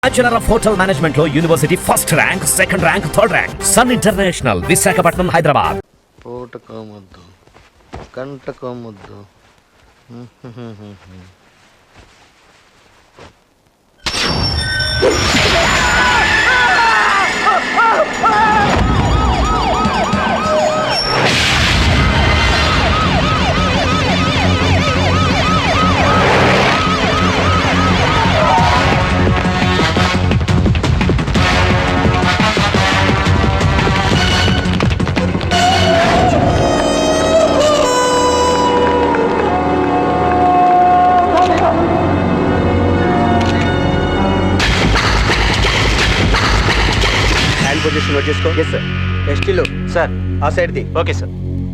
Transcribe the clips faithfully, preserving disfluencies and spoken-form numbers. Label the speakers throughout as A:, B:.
A: Bachelor of hotel management లో university first rank, second rank, third rank. Sun international, Visakhapatnam, Hyderabad.
B: పూటకోమొద్దు కంటకోమొద్దు.
C: Position note చేసుకో. Yes sir. ఎస్టీలో sir ఆ సైడ్ది. Okay sir.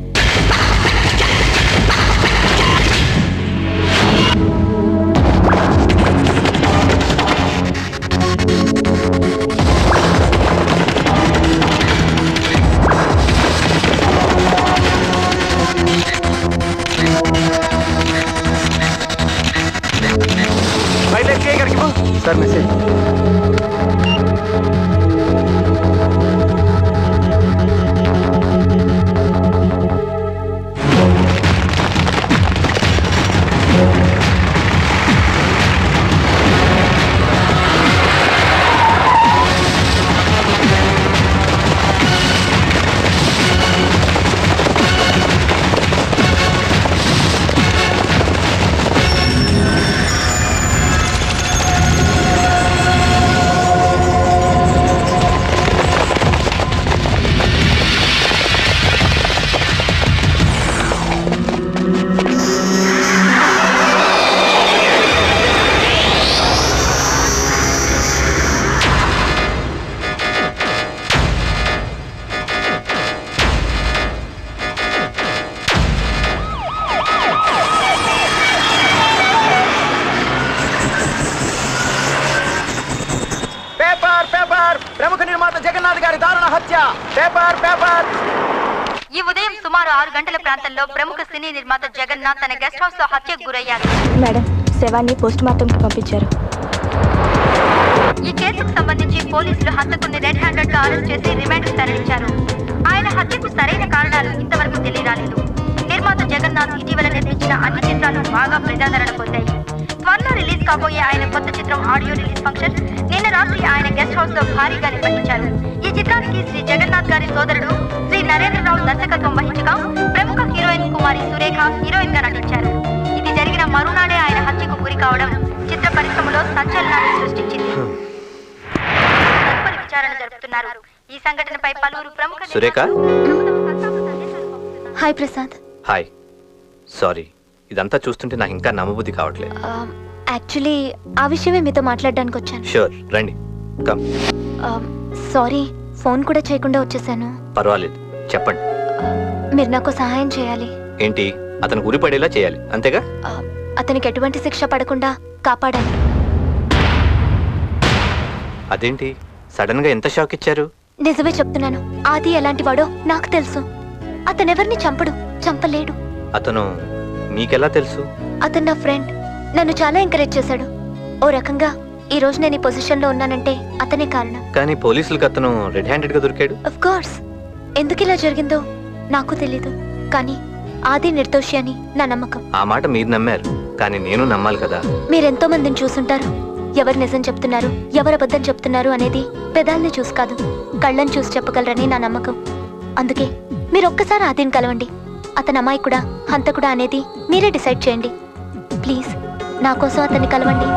C: Sir message. ప్రముఖ నిర్మాత జగన్నాథ్ గారి దారుణ హత్య. Paper paper.
D: ఈ ఉదయం సుమారు ఆరు గంటల ప్రాంతంలో ప్రముఖ సినీ నిర్మాత జగన్నాథ్ తన గెస్ట్ హౌస్ లో హత్యకు గురయ్యారు.
E: మేడం, శవాన్ని పోస్ట్ మార్టం కి పంపించారు.
D: ఈ కేసుకు సంబంధించి పోలీసులు హంతకుని రెడ్ హ్యాండెడ్ గా అరెస్ట్ చేసి రిమాండ్ కు తరలించారు. ఆయన హత్యకు సరైన కారణాలు ఇంతవరకు తెలియరాలేదు. నిర్మాత జగన్నాథ్ ఇటీవల నిర్మించిన అన్ని చిత్రాలు బాగా ప్రజాదరణ పొందాయి. త్వరలో రిలీజ్ కాబోయే ఆయన కొత్త చిత్రం ఆడియో రిలీజ్ ఫంక్షన్ నిన్న రాత్రి ఆయన గెస్ట్ హౌస్ లో భారీగా నిర్వహించారు. ఈ చిత్రానికి శ్రీ జగన్నాథ్ గారి సోదరుడు శ్రీ నరేంద్రరావు దర్శకత్వం వహించగా ప్రముఖ హీరోయిన్ కుమారి సురేఖ హీరోయిన్ గా నటించారు. ఇది జరిగిన మరునాడే ఆయన హత్యకు గురి కావడం చిత్ర పరిశ్రమలో సంచలనాన్ని సృష్టించింది. తదుపరి విచారణ జరుపుతున్నారు. ఈ సంఘటనపై పలువురు ప్రముఖ
F: Surekha.
E: Hi Prasad.
F: Hi. Sorry, ఇదంతా చూస్తుంటే నాకు ఇంకా నమ్మబుద్ధి కావట్లేదు.
E: యాక్చువల్లీ ఆ విషయమే మీతో మాట్లాడడానికి వచ్చాను.
F: షూర్, రండి. కమ్.
E: సారీ, ఫోన్ కూడా చేయకుండా వచ్చేసాను.
F: పర్వాలేదు, చెప్పండి.
E: మీరు నాకు సహాయం చేయాలి.
F: ఏంటి? అతను గురి పడేలా చేయాలి, అంతేగా?
E: అతనికి ఎటువంటి శిక్ష పడకుండా కాపాడాలి.
F: అదేంటి సడన్ గా ఎంత షాక్ ఇచ్చారు?
E: నిజమే చెప్తున్నాను. ఆది ఎలాంటి వాడో నాకు తెలుసు. అతనెవరిని చంపడు, చంపలేడు.
F: అతను మీకెలా తెలుసు?
E: అతను నా ఫ్రెండ్. నన్ను చాలా ఎంకరేజ్ చేశాడు. ఓ రకంగా ఈ రోజు నేను ఈ పొజిషన్ లో ఉన్నానంటే అతనే కారణం.
F: కానీ పోలీసులకు అతను రెడ్ హ్యాండెడ్ గా దొరికాడు.
E: Of course. ఎందుకు ఇలా జరిగిందో నాకు తెలీదు, కానీ ఆది నిర్దోషి అని నా నమ్మకం.
F: ఆ మాట మీరు నమ్మారు, కానీ నేను నమ్మాలి కదా.
E: మీరెంతో మందిని చూసుంటారు. ఎవరు నిజం చెప్తున్నారు, ఎవరు అబద్ధం చెప్తున్నారు అనేది పెదాల్ని చూసి కాదు, కళ్ళని చూసి చెప్పగలరని నా నమ్మకం. అందుకే మీరు ఒక్కసారి ఆదిని కలవండి. అతను అమాయకుడా హంతకుడా అనేది మీరే డిసైడ్ చేయండి. ప్లీజ్ నా కోసం అతన్ని కలవండి.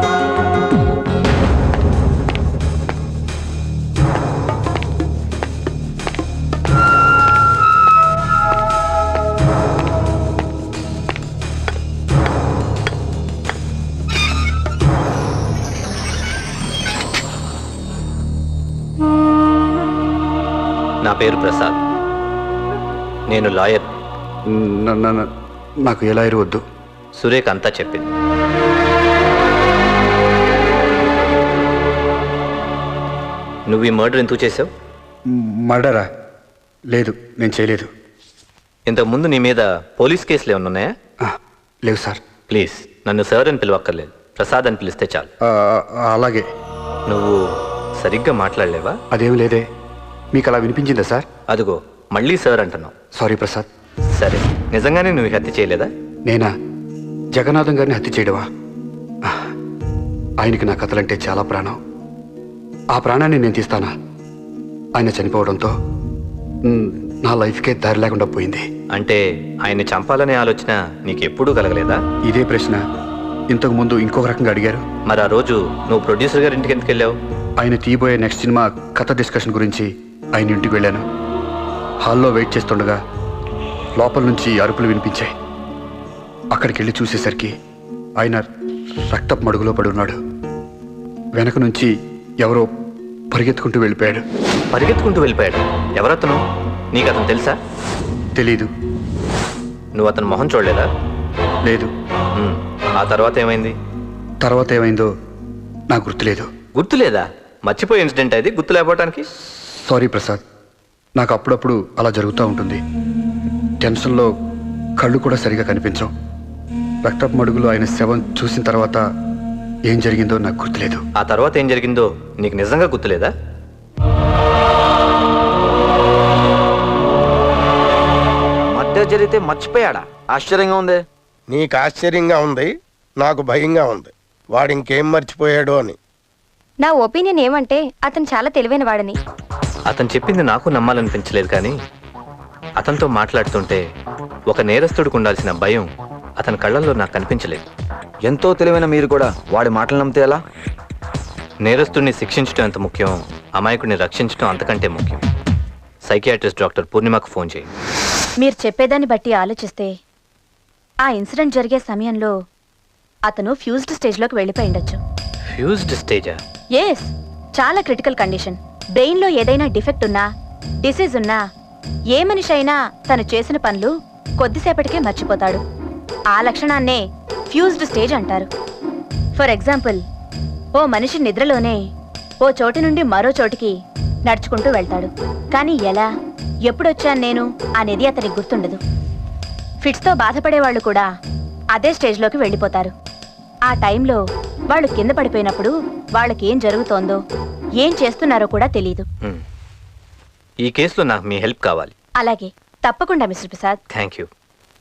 F: నా పేరు ప్రసాద్. నేను లాయర్.
C: నాకు ఏ లాయర్ వద్దు.
F: సురేఖ అంతా చెప్పింది. నువ్వు ఈ మర్డర్ ఎందుకు చేసావు?
C: మర్డరా? లేదు, నేను చేయలేదు.
F: ఇంతకుముందు నీ మీద పోలీస్ కేసులు ఏమన్నా ఉన్నాయా?
C: లేవు సార్.
F: ప్లీజ్ నన్ను సార్ అని పిలవక్కర్లేదు, ప్రసాద్ అని పిలిస్తే చాలు.
C: అలాగే.
F: నువ్వు సరిగ్గా మాట్లాడలేవా?
G: అదేం లేదే. మీకు అలా వినిపించిందా సార్?
F: అదిగో మళ్ళీ సార్ అంటున్నావు.
G: సారీ ప్రసాద్.
F: సరే, నిజంగానే నువ్వు ఈ హత్య చేయలేదా?
G: నేనా? జగన్నాథం గారిని హత్య చేయడమా? ఆయనకి నా కథలంటే చాలా ప్రాణం. ఆ ప్రాణాన్ని నేను తీస్తానా? ఆయన చనిపోవడంతో మ్, నా లైఫ్కే దారి లేకుండా పోయింది.
F: అంటే ఆయన్ని చంపాలనే ఆలోచన నీకెప్పుడూ కలగలేదా?
G: ఇదే ప్రశ్న ఇంతకు ముందు ఇంకొక రకంగా అడిగారు.
F: మరి ఆ రోజు నువ్వు ప్రొడ్యూసర్ గారి ఇంటికి ఎందుకు వెళ్ళావు?
G: ఆయన తీయబోయే నెక్స్ట్ సినిమా కథ డిస్కషన్ గురించి ఆయన ఇంటికి వెళ్ళాను. హాల్లో వెయిట్ చేస్తుండగా లోపల నుంచి అరుపులు వినిపించాయి. అక్కడికి వెళ్ళి చూసేసరికి ఆయన రక్తపు మడుగులో పడి ఉన్నాడు. వెనక నుంచి ఎవరో పరిగెత్తుకుంటూ వెళ్ళిపోయాడు.
F: పరిగెత్తుకుంటూ వెళ్ళిపోయాడు? ఎవరతను? నీకు అతను తెలుసా?
G: తెలీదు.
F: నువ్వు అతను మొహం చూడలేదా?
G: లేదు.
F: ఉమ్, ఆ తర్వాత ఏమైంది?
G: తర్వాత ఏమైందో నాకు గుర్తులేదు.
F: గుర్తులేదా? మర్చిపోయే ఇన్సిడెంట్ అది, గుర్తు లేకపోవటానికి.
G: సారీ ప్రసాద్, నాకు అప్పుడప్పుడు అలా జరుగుతూ ఉంటుంది. టెన్షన్లో కళ్ళు కూడా సరిగా కనిపించవు. రక్తపు మడుగులో ఆయన శవం చూసిన తర్వాత ఏం జరిగిందో నాకు గుర్తులేదు.
F: ఆ తర్వాత ఏం జరిగిందో నీకు నిజంగా గుర్తులేదా?
C: మధ్య జరిగితే మర్చిపోయాడా? ఆశ్చర్యంగా ఉంది.
H: నీకు ఆశ్చర్యంగా ఉంది, నాకు భయంగా ఉంది. వాడు ఇంకేం మర్చిపోయాడో అని.
E: నా ఒపీనియన్ ఏమంటే అతను చాలా తెలివైన వాడని.
F: అతను చెప్పింది నాకు నమ్మాలనిపించలేదు, కానీ అతనితో మాట్లాడుతుంటే ఒక నేరస్తుడికి ఉండాల్సిన భయం అతని కళ్ళల్లో నాకు కనిపించలేదు.
C: ఎంతో తెలివైన మీరు కూడా వాడి మాటలు నమ్మితే ఎలా?
F: నేరస్తుడిని శిక్షించడం ఎంత ముఖ్యం, అమాయకుడిని రక్షించడం అంతకంటే ముఖ్యం. సైకియాట్రిస్ట్ డాక్టర్ పూర్ణిమకు ఫోన్ చేయి.
E: మీరు చెప్పేదాన్ని బట్టి ఆలోచిస్తే ఆ ఇన్సిడెంట్ జరిగే సమయంలో అతను ఫ్యూజ్డ్ స్టేజ్లోకి వెళ్ళిపోయి ఉండొచ్చు.
F: ఫ్యూజ్డ్ స్టేజా?
E: ఎస్, చాలా క్రిటికల్ కండిషన్. బ్రెయిన్లో ఏదైనా డిఫెక్ట్ ఉన్నా, డిసీజ్ ఉన్నా, ఏ మనిషి అయినా తను చేసిన పనులు కొద్దిసేపటికే మర్చిపోతాడు. ఆ లక్షణాన్నే ఫ్యూజ్డ్ స్టేజ్ అంటారు. ఫర్ ఎగ్జాంపుల్, ఓ మనిషి నిద్రలోనే ఓ చోటు నుండి మరో చోటికి నడుచుకుంటూ వెళ్తాడు. కానీ ఎలా, ఎప్పుడొచ్చాను నేను అనేది అతనికి గుర్తుండదు. ఫిట్స్తో బాధపడేవాళ్ళు కూడా అదే స్టేజ్లోకి వెళ్ళిపోతారు. ఆ టైంలో వాళ్ళు కింద పడిపోయినప్పుడు వాళ్ళకి ఏం జరుగుతోందో, ఏం చేస్తున్నారో కూడా తెలియదు.
F: హ్మ్. ఈ కేసులో నాకు మీ హెల్ప్ కావాలి.
E: అలాగే, తప్పకుండా మిస్టర్ ప్రసాద్.
F: Thank you.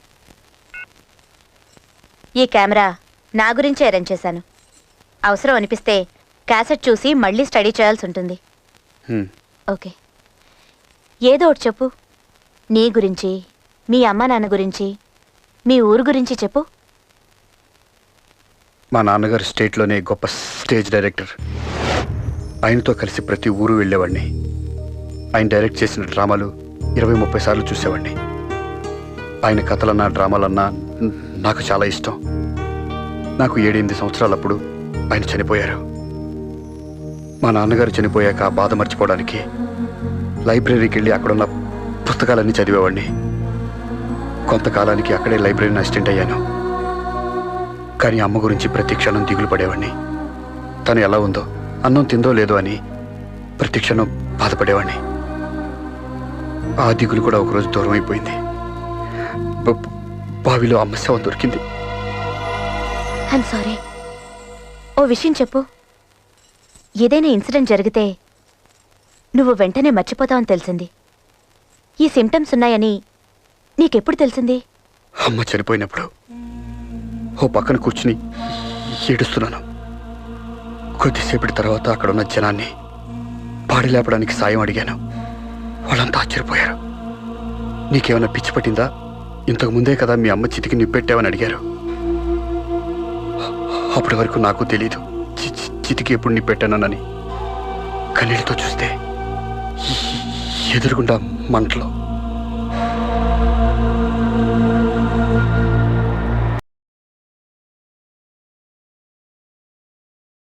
E: ఈ కెమెరా నా గురించే అరేంజ్ చేశాను. అవసరం అనిపిస్తే క్యాసెట్ చూసి మళ్ళీ స్టడీ చేయాల్సి ఉంటుంది.
G: హ్మ్.
E: ఓకే, ఏదో ఒకటి చెప్పు. నీ గురించి, మీ అమ్మ నాన్న గురించి, మీ ఊరు గురించి చెప్పు.
G: మా నాన్నగారు స్టేట్లోనే గొప్ప స్టేజ్ డైరెక్టర్. ఆయనతో కలిసి ప్రతి ఊరు వెళ్ళేవాడిని. ఆయన డైరెక్ట్ చేసిన డ్రామాలు ఇరవై ముప్పై సార్లు చూసేవాడిని. ఆయన కథలన్నా డ్రామాలన్నా నాకు చాలా ఇష్టం. నాకు ఏడెనిమిది సంవత్సరాలప్పుడు ఆయన చనిపోయారు. మా నాన్నగారు చనిపోయాక ఆ బాధ మర్చిపోవడానికి లైబ్రరీకి వెళ్ళి అక్కడున్న పుస్తకాలన్నీ చదివేవాడిని. కొంతకాలానికి అక్కడే లైబ్రరీని అసిస్టెంట్ అయ్యాను. కానీ అమ్మ గురించి ప్రతి క్షణం దిగులు పడేవాడిని. తను ఎలా ఉందో, అన్నం తిందో లేదో అని ప్రతి క్షణం బాధపడేవాడిని. ఆ దిగులు కూడా ఒకరోజు దూరం అయిపోయింది. బ- బావిలో అమ్మ శవం దొరికింది.
E: I'm sorry. ఓ విషయం చెప్పు. ఏదైనా ఇన్సిడెంట్ జరిగితే నువ్వు వెంటనే మర్చిపోతావని తెలిసింది. ఈ సిమ్టమ్స్ ఉన్నాయని నీకెప్పుడు తెలిసింది?
G: అమ్మ చనిపోయినప్పుడు ఓ పక్కన కూర్చుని ఏడుస్తున్నాను. కొద్దిసేపటి తర్వాత అక్కడున్న జనాన్ని పాడి లేపడానికి సాయం అడిగాను. వాళ్ళంతా ఆశ్చర్యపోయారు. నీకేమైనా పిచ్చి పట్టిందా? ఇంతకు ముందే కదా మీ అమ్మ చితికి నిప్పెట్టావని అడిగారు. అప్పటి వరకు నాకు తెలీదు చి- చి- చితికి ఎప్పుడు నిప్పెట్టానని. కన్నీళ్ళతో చూస్తే ఎదురుగుండా మంటలో